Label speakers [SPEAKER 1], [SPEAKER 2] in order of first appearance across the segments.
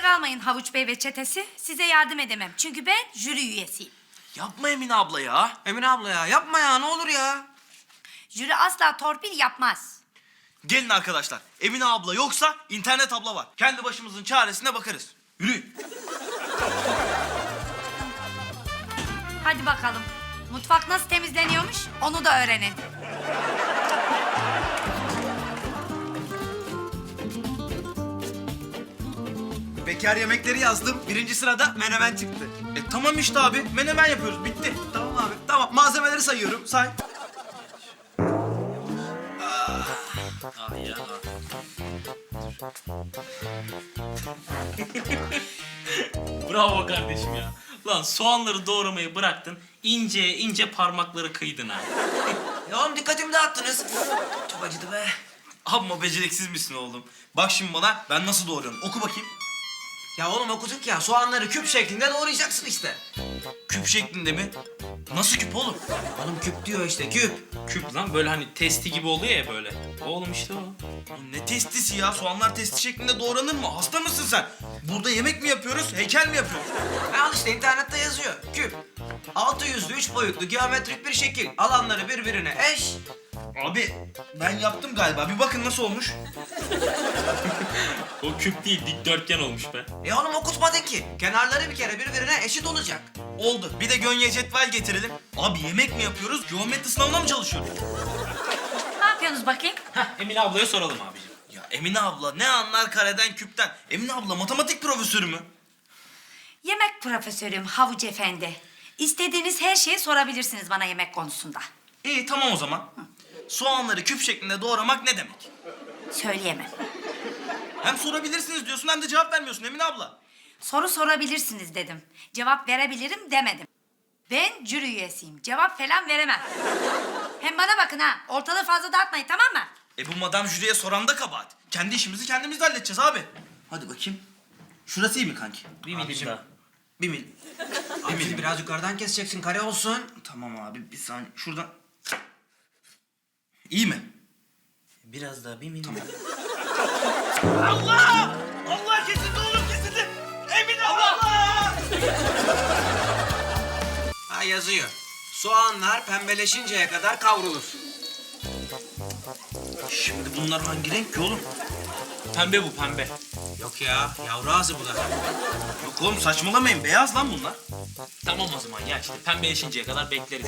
[SPEAKER 1] kalmayın Havuç Bey ve çetesi. Size yardım edemem. Çünkü ben jüri üyesiyim.
[SPEAKER 2] Yapma Emine abla ya.
[SPEAKER 3] Emine abla ya yapma ya ne olur ya.
[SPEAKER 1] Jüri asla torpil yapmaz.
[SPEAKER 2] Gelin arkadaşlar. Emine abla yoksa internet abla var. Kendi başımızın çaresine bakarız. Yürüyün.
[SPEAKER 1] Hadi bakalım. Mutfak nasıl temizleniyormuş onu da öğrenin.
[SPEAKER 3] Bekar yemekleri yazdım. Birinci sırada menemen çıktı.
[SPEAKER 2] Tamam işte abi. Menemen yapıyoruz. Bitti.
[SPEAKER 3] Tamam abi tamam malzemeleri sayıyorum say.
[SPEAKER 4] Ah ya. Bravo kardeşim ya. Lan soğanları doğramayı bıraktın, ince ince parmakları kıydın ha.
[SPEAKER 3] Ya oğlum dikkatimi dağıttınız. Çok acıdı be.
[SPEAKER 2] Amma beceriksiz misin oğlum? Bak şimdi bana ben nasıl doğruyorum. Oku bakayım.
[SPEAKER 3] Ya oğlum okuduk ya soğanları küp şeklinde doğrayacaksın işte.
[SPEAKER 2] Küp şeklinde mi? Nasıl küp oğlum?
[SPEAKER 3] Oğlum küp diyor işte küp.
[SPEAKER 4] Küp lan böyle hani testi gibi oluyor ya böyle. Oğlum işte o.
[SPEAKER 2] Oğlum ne testisi ya? Soğanlar testi şeklinde doğranır mı? Hasta mısın sen? Burada yemek mi yapıyoruz? Heykel mi yapıyoruz?
[SPEAKER 3] Al işte internette yazıyor küp. 600'lü 3 boyutlu geometrik bir şekil. Alanları birbirine eş.
[SPEAKER 2] Abi ben yaptım galiba. Bir bakın nasıl olmuş.
[SPEAKER 4] O küp değil dikdörtgen olmuş be.
[SPEAKER 3] Oğlum okutmadın ki. Kenarları bir kere birbirine eşit olacak.
[SPEAKER 2] Oldu. Bir de gönye cetvel getirelim. Abi yemek mi yapıyoruz? Geometri sınavına mı çalışıyoruz?
[SPEAKER 1] Ne yapıyorsunuz bakayım?
[SPEAKER 4] Heh, Emine ablaya soralım abicim.
[SPEAKER 2] Ya Emine abla ne anlar kareden küpten? Emine abla matematik profesörü mü?
[SPEAKER 1] Yemek profesörüm Havuç Efendi. İstediğiniz her şeyi sorabilirsiniz bana yemek konusunda.
[SPEAKER 2] İyi tamam o zaman. Soğanları küp şeklinde doğramak ne demek?
[SPEAKER 1] Söyleyemem.
[SPEAKER 2] Hem sorabilirsiniz diyorsun hem de cevap vermiyorsun Emine abla.
[SPEAKER 1] Soru sorabilirsiniz dedim. Cevap verebilirim demedim. Ben jüri üyesiyim. Cevap falan veremem. Hem bana bakın ha. Ortalığı fazla dağıtmayın tamam mı?
[SPEAKER 2] Bu madam jüriye soran da kabahat. Kendi işimizi kendimiz de halledeceğiz abi. Hadi bakayım. Şurası iyi mi kanki?
[SPEAKER 4] Bir milim daha.
[SPEAKER 2] Bir mil.
[SPEAKER 3] Abi biraz yukarıdan keseceksin kare olsun.
[SPEAKER 2] Tamam abi bir saniye. Şuradan. İyi mi?
[SPEAKER 4] Biraz daha bir milim.
[SPEAKER 2] Allah! Allah kesildi oğlum kesildi. Emine abla!
[SPEAKER 3] Ha yazıyor. Soğanlar pembeleşinceye kadar kavrulur.
[SPEAKER 2] Şimdi bunlar hangi renk ki oğlum?
[SPEAKER 4] Pembe bu pembe.
[SPEAKER 3] Yok ya yavru ağzı bu da.
[SPEAKER 2] Yok oğlum saçmalamayın. Beyaz lan bunlar.
[SPEAKER 4] Tamam o zaman ya işte pembeleşinceye kadar bekleriz.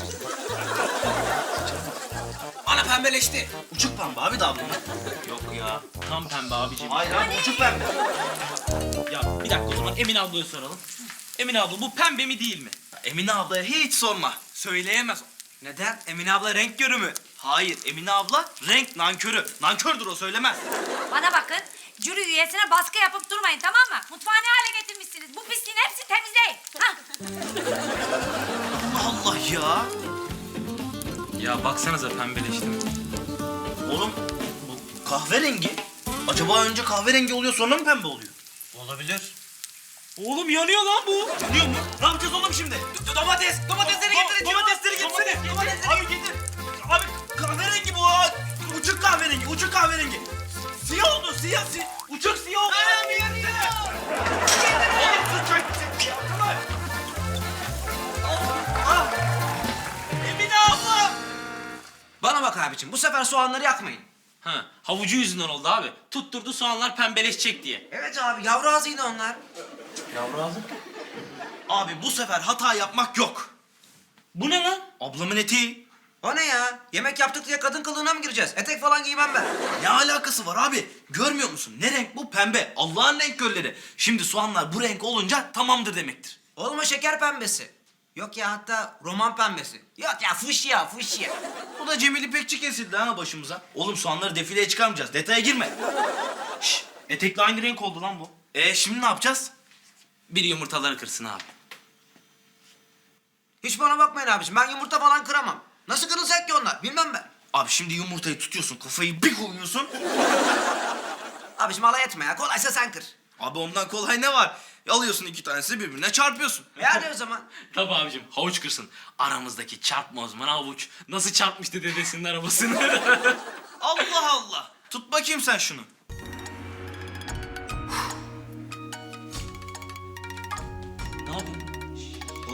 [SPEAKER 3] Ana pembeleşti.
[SPEAKER 2] Uçuk pembe abi daha bunlar.
[SPEAKER 4] Yok ya tam pembe abicim.
[SPEAKER 2] Hayır abi uçuk pembe.
[SPEAKER 4] Ya bir dakika o zaman Emine ablaya soralım. Emine abla bu pembe mi değil mi?
[SPEAKER 2] Emine ablaya hiç sorma. Söyleyemez.
[SPEAKER 3] Neden? Emine abla renk körü mü?
[SPEAKER 2] Hayır Emine abla renk nankörü. Nankördür o söylemez.
[SPEAKER 1] Bana bakın. Jüri üyesine baskı yapıp durmayın tamam mı? Mutfağı ne hale getirmişsiniz? Bu pisliğin hepsi temizleyin. Hah.
[SPEAKER 2] Allah Allah ya.
[SPEAKER 4] Ya baksanıza pembeleşti mi?
[SPEAKER 2] Oğlum bu kahverengi. Acaba önce kahverengi oluyor sonra mı pembe oluyor?
[SPEAKER 3] Olabilir.
[SPEAKER 4] Oğlum yanıyor lan bu.
[SPEAKER 2] Biliyor mu? Ne yapacağız oğlum şimdi?
[SPEAKER 3] Domatesleri getirin.
[SPEAKER 2] Domatesleri getirsene. Abi getir. Abi kahverengi bu. Uçuk kahverengi, uçuk kahverengi. Siyah oldu, siyah. Uçuk siyah oldu. Abi getirsene. Oğlum sus çay getirsene. Tamam. Ah. Emine abla.
[SPEAKER 3] Bana bak abicim bu sefer soğanları yakmayın.
[SPEAKER 4] Ha, havucu yüzünden oldu abi. Tutturdu soğanlar pembeleşecek diye.
[SPEAKER 3] Evet abi yavru ağzıydı onlar.
[SPEAKER 4] Yavru ağzı.
[SPEAKER 2] Abi bu sefer hata yapmak yok.
[SPEAKER 4] Bu ne lan?
[SPEAKER 2] Ablamın eteği.
[SPEAKER 3] O ne ya? Yemek yaptık diye kadın kılığına mı gireceğiz? Etek falan giymem ben.
[SPEAKER 2] Ne alakası var abi? Görmüyor musun? Ne renk bu? Pembe. Allah'ın renk gölleri. Şimdi soğanlar bu renk olunca tamamdır demektir.
[SPEAKER 3] Oğlum o şeker pembesi. Yok ya hatta roman pembesi. Yok ya fuşya.
[SPEAKER 2] Bu da Cemil İpekçi kesildi ha başımıza. Oğlum soğanları defileye çıkarmayacağız. Detaya girme.
[SPEAKER 4] Şş, etekle aynı renk oldu lan bu.
[SPEAKER 2] Şimdi ne yapacağız?
[SPEAKER 4] Biri yumurtaları kırsın abi.
[SPEAKER 3] Hiç bana bakmayın abicim ben yumurta falan kıramam. Nasıl kırılacak ki onlar? Bilmem ben.
[SPEAKER 2] Abi şimdi yumurtayı tutuyorsun, kafayı bir koyuyorsun.
[SPEAKER 3] Abicim alay etme ya. Kolaysa sen kır.
[SPEAKER 2] Abi ondan kolay ne var? Alıyorsun iki tanesi birbirine çarpıyorsun.
[SPEAKER 3] Hadi o zaman.
[SPEAKER 4] Tabii abicim havuç kırsın. Aramızdaki çarpma uzmanı havuç. Nasıl çarpmıştı dedesinin arabasını.
[SPEAKER 2] Allah Allah. Tut bakayım sen şunu.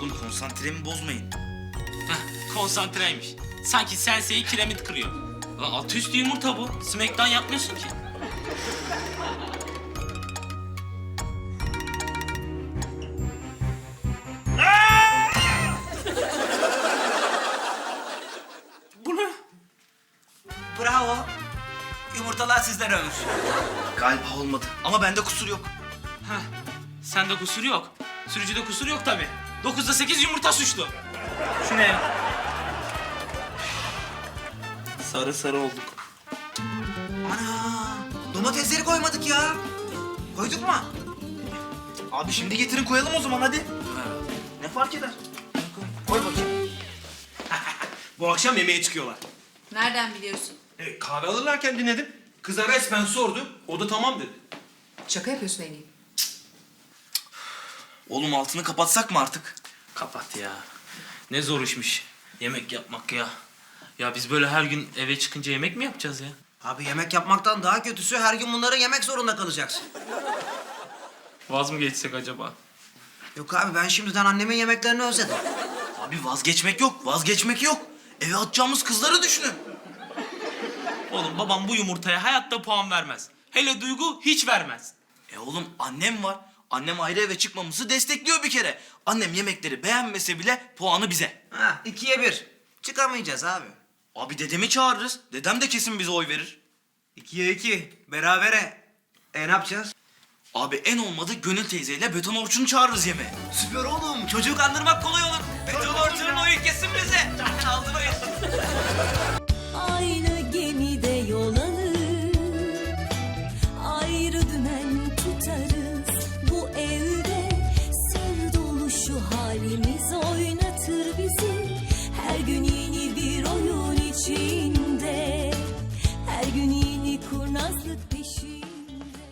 [SPEAKER 2] Oğlum konsantremi bozmayın.
[SPEAKER 4] Heh, konsantreymiş. Sanki Sensei'yi kiremit kırıyor. Lan altı üstü yumurta bu. Smackdown yapmıyorsun ki. Bu ne?
[SPEAKER 3] Bravo. Yumurtalar sizden ölür.
[SPEAKER 2] Galiba olmadı ama bende kusur yok.
[SPEAKER 4] Heh, sende kusur yok. Sürücüde kusur yok tabii. 9'da 8 yumurta suçlu. Şu ne ya?
[SPEAKER 2] Sarı sarı olduk.
[SPEAKER 3] Ana, domatesleri koymadık ya. Koyduk mu?
[SPEAKER 2] Abi şimdi getirin koyalım o zaman hadi. Ne fark eder? Koy bakayım.
[SPEAKER 5] Bu akşam yemeğe çıkıyorlar.
[SPEAKER 1] Nereden biliyorsun?
[SPEAKER 5] Kahve alırlarken dinledim. Kıza resmen sordu. O da tamam dedi.
[SPEAKER 6] Şaka yapıyorsun Engin.
[SPEAKER 2] Oğlum altını kapatsak mı artık?
[SPEAKER 4] Kapat ya. Ne zor işmiş yemek yapmak ya. Ya biz böyle her gün eve çıkınca yemek mi yapacağız ya?
[SPEAKER 3] Abi yemek yapmaktan daha kötüsü her gün bunları yemek zorunda kalacaksın.
[SPEAKER 4] Vaz mı geçsek acaba?
[SPEAKER 3] Yok abi ben şimdiden annemin yemeklerini özledim.
[SPEAKER 2] Abi vazgeçmek yok, vazgeçmek yok. Eve atacağımız kızları düşünün.
[SPEAKER 4] Oğlum babam bu yumurtaya hayatta puan vermez. Hele Duygu hiç vermez.
[SPEAKER 2] Oğlum annem var. Annem ayrı eve çıkmamızı destekliyor bir kere. Annem yemekleri beğenmese bile puanı bize.
[SPEAKER 3] Ha, 2'ye 1. Çıkamayacağız abi.
[SPEAKER 2] Abi dedemi çağırırız. Dedem de kesin bize oy verir.
[SPEAKER 3] 2'ye 2. Berabere. Ne yapacağız?
[SPEAKER 2] Abi en olmadı Gönül teyzeyle Beton Orçun'u çağırırız yemeğe.
[SPEAKER 3] Süper oğlum. Çocuğu kandırmak kolay olur. Beton Orçun'un oyu kesin bize. Aldın oyu.
[SPEAKER 7] Aynı gemide yol alır, ayrı dümen tutarız. Bu evde sır dolu şu halimiz